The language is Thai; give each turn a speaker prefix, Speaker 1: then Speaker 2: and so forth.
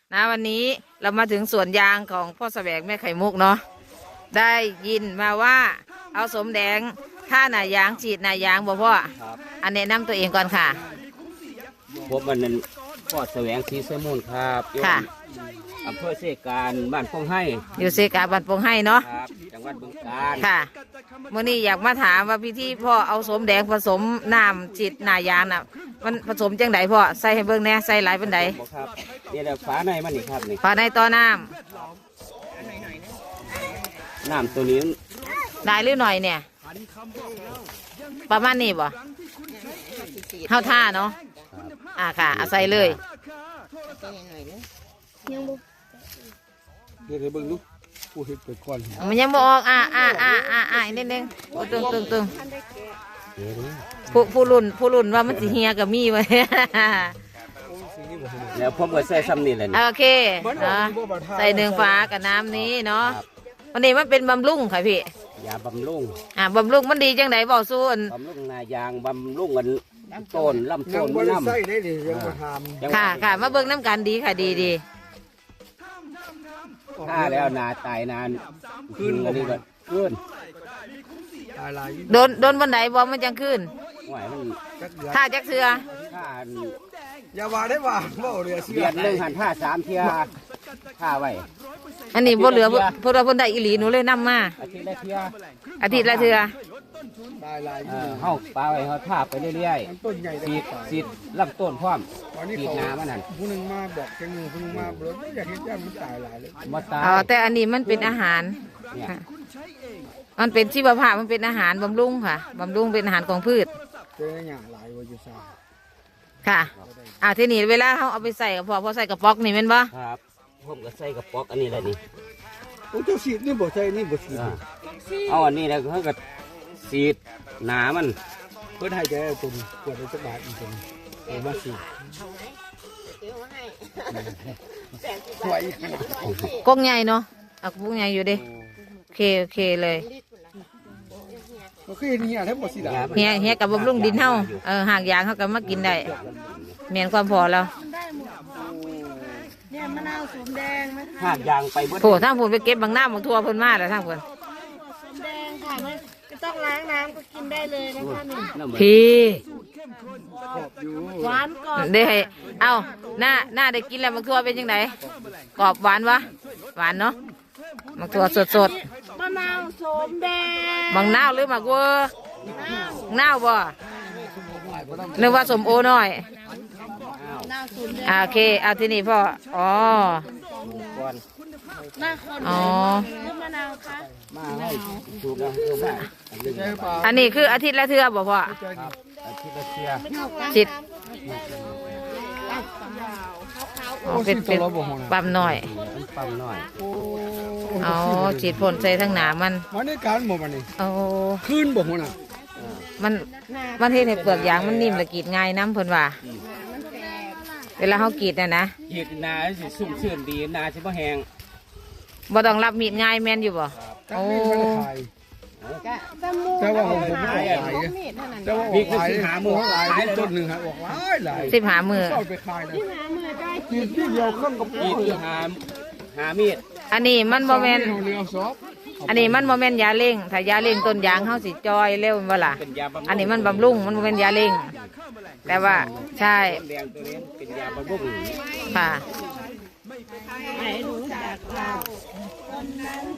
Speaker 1: นะวันนี้เรามาถึงสวนยางของพ่อแสวงแม่ไข่มุกเนาะได้ยินมาว่าเอาสมแดงท่าหนายางฉีดหนายางบ่พ่ออันแนะนำตัวเองก่อนค่ะ
Speaker 2: ผมวันนั้นพ่อแสวงศรีเสมูลครับค่ะอำเภอเสการบ้านพงให้
Speaker 1: อยู่เสกาบ้านพงให้เนาะ
Speaker 2: ครับจังหวัดบึงกาฬ
Speaker 1: ค่ะมื่อนี้อยากมาถามว่าพี่ที่พ่อเอาสมแดงผสมน้ำฉีดหนายางน่ะมันผสมจังไดพ่อใส่ให้เบิ่งแน่ใส่หลายเป็นได
Speaker 2: ครับนี่แหละฝาในมันนี่ครับนี่
Speaker 1: ฝาในต่อน้
Speaker 2: ำตัวนี้
Speaker 1: ได้หรือหน่อยเนี่ยประมาณนี้บ่เท่าท่าเนาะค่ะเอาใส่เลย
Speaker 3: เดี๋ยวเบิ่งดูผู้เห็ดไปก่อน
Speaker 1: มันยังบ่ออกนิดนึงตึงผู้รุ่นว่ามันสิเฮียกับมีไว้
Speaker 2: แล้วผมก็ใส่ซ้ำนี่แหละ
Speaker 1: โอเคใส่1 ฝากับน้ำนี้เนาะวันนี้มันเป็นบำรุงค่ะพี่
Speaker 2: ยาบำรุง
Speaker 1: บำรุงมันดีจังไดบอกสู้
Speaker 2: บำรุงนายางบำรุงกันต้นลำต้นน้ำ
Speaker 1: ค่ะมาเบิ่งน้ำกันดีค่ะดี
Speaker 2: ถ้าแล้วนาตายนานขึ้นอะไรก็ขึ้น
Speaker 1: โดนบันไดบอมันจังขึ้นท่าจักเสือ
Speaker 3: อย่าว่าได้ว่าเรือ
Speaker 2: เดือน1 หันท่า3 เที่ยท่าไว้
Speaker 1: อันนี้บ่เหลือพวกเราคนใดอีหลีหนูเลยนำมาอาทิตย์ละเทื่อ
Speaker 2: เฮาปลาไว้เฮาท่าไปเรื่อยๆสีดลำต้นพร้อมสีดน้ำมันนั่น
Speaker 3: ผู้นึงมาบอกจังนึงผู้นึงมาบ่อยากเห็นจ้ามันตายหลายเลย
Speaker 1: แต่อันนี้มันเป็นอาหารมันเป็นชีวภาพมันเป็นอาหารบำรุงค่ะบำรุงเป็นอาหารของพืชค่ะทีนี้เวลาเขาเอาไปใส่กับพอใส่กระป๋อกนี่แม่นบ่
Speaker 2: ครับผมก็ใส่กระป๋อกอันนี้แหละนี่
Speaker 3: โอ้เจ้าสีดนี่บ่ใส่นี่บ่สีด
Speaker 2: เอาอันนี้แล้วเขาก็สีดหนามัน
Speaker 3: เพื่อให้ใจตุ่มขวดจะบาดอีกตุ่มเอามาสี
Speaker 1: กงใหญ่เนาะเอากงใหญ่อยู่ดิโอเคเลยเฮียกับบำรุงดินเฮาหากยางเขาก็มากินได้เมียนความพอแล้ว
Speaker 4: เนี่ยมะนาวสมแดงไหม
Speaker 2: หากยางไป
Speaker 1: โถทั้งผลไปเก็บบางหน้าบางทั่วเพิ่นมาแล้วทั้งผล
Speaker 4: สมแดงค่ะไม่ต้องล้างน้ำก็กินได้เลยนะคะนี่
Speaker 1: พี่
Speaker 4: หวานกรอบ
Speaker 1: ได้เอาหน้าได้กินแล้วบางทั่วเป็นยังไงกรอบหวานวะหวานเนาะบางทั่วสด
Speaker 4: มะนาวสมแดง
Speaker 1: บางนาวหรือหมากวัวนาวบ่นึกว่าสมโอหน่อยโอเคเอาที่นี่พ่อ
Speaker 4: หน้าคนมะนาวค่ะ
Speaker 1: อันนี้คืออาทิตย์ละเทื่อบ่พ่อ
Speaker 2: อาทิตย์ละเทื่อ
Speaker 1: จิตเป็นปั๊มหน่อยฉีดพ่นใส่ทั้งหนามัน
Speaker 3: ในการบ่มันนี่คืนบ่หัวน่ะ
Speaker 1: มันเห็นในเปลือกยางมันนิ่มและกรีดง่ายน้ำเพิ่นว่าเวลาเขากรีดนะ
Speaker 2: กรีดนาสิสุ่มชื่นดีนาสิบ่แห้ง
Speaker 1: บ่ต้องรับมีดง่ายแม่นอยู่บ่
Speaker 3: โอ้แต่ว่าผมไม่ขายแต่ว่า
Speaker 2: พี่คือ15 มื้อ
Speaker 3: ขายต้นนึงฮะออกหลาย
Speaker 1: 15 มื้อ
Speaker 3: ไปขายได้กินที่เดียวเครื่องกับ
Speaker 2: กรีดหามีด
Speaker 1: อันนี้มันบ่แม่นอันนี้มันบ่แม่นยาเร่งถ้ายาเร่งต้นยางเฮาสิจอยเร็วบ่ล่ะอันนี้มันบำรุงมันบ่แม่นยาเร่งแต่ว่าใช่
Speaker 2: เป็นยาบำรุง
Speaker 1: ค่ะ